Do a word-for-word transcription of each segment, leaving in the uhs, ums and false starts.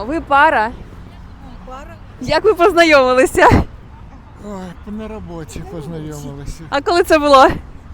Ви пара? Пара. Як ви познайомилися? Ой, на роботі познайомилися. А коли це було?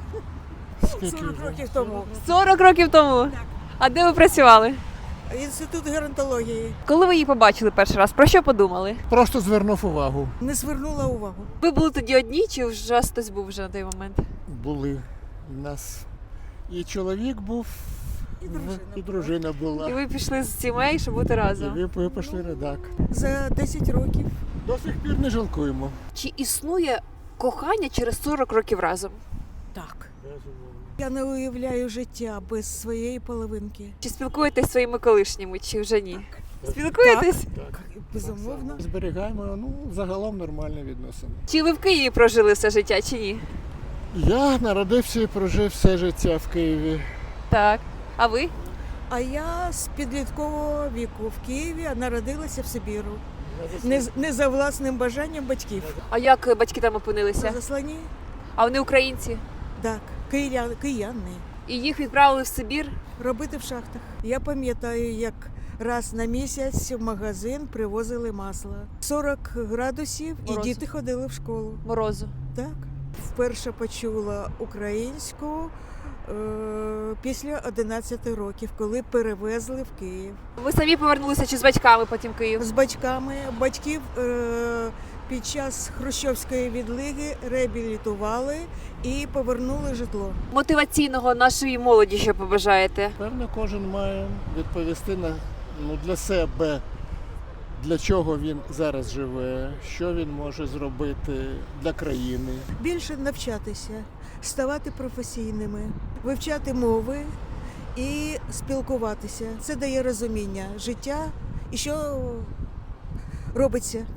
Скільки сорок вже? років тому. сорок років тому? Так. А де ви працювали? Інститут геронтології. Коли ви її побачили перший раз, про що подумали? Просто звернув увагу. Не звернула увагу. Ви були тоді одні, чи вже вас хтось був вже на той момент? Були у нас і чоловік був, І дружина і була. дружина І була. ви пішли з сімей, щоб бути І разом. ви ви пішли редак. За десять років. До сих пір не жалкуємо. Чи існує кохання через сорок років разом? Так. Я не уявляю життя без своєї половинки. Чи спілкуєтесь зі своїми колишніми, чи вже ні? Спілкуєтесь? Так. Безумовно. Зберігаємо, ну, загалом нормальні відносини. Чи ви в Києві прожили все життя, чи ні? Я народився і прожив все життя в Києві. Так. А ви? А я з підліткового віку в Києві, а народилася в Сибіру. Не, з- не за власним бажанням батьків. А як батьки там На опинилися? засланні? А вони українці? Так. Кияни, кияни. І їх відправили в Сибір? Робити в шахтах. Я пам'ятаю, як раз на місяць в магазин привозили масло. сорок градусів і Морозу. діти ходили в школу. Морозу. Так. Вперше почула українську е- після одинадцяти років, коли перевезли в Київ. Ви самі повернулися чи з батьками потім в Київ? З батьками батьків е- під час хрущовської відлиги реабілітували і повернули житло. Мотиваційного нашої молоді, що побажаєте? Певно, кожен має відповісти на, ну, для себе, для чого він зараз живе, що він може зробити для країни. Більше навчатися, ставати професійними, вивчати мови і спілкуватися. Це дає розуміння життя і що робиться.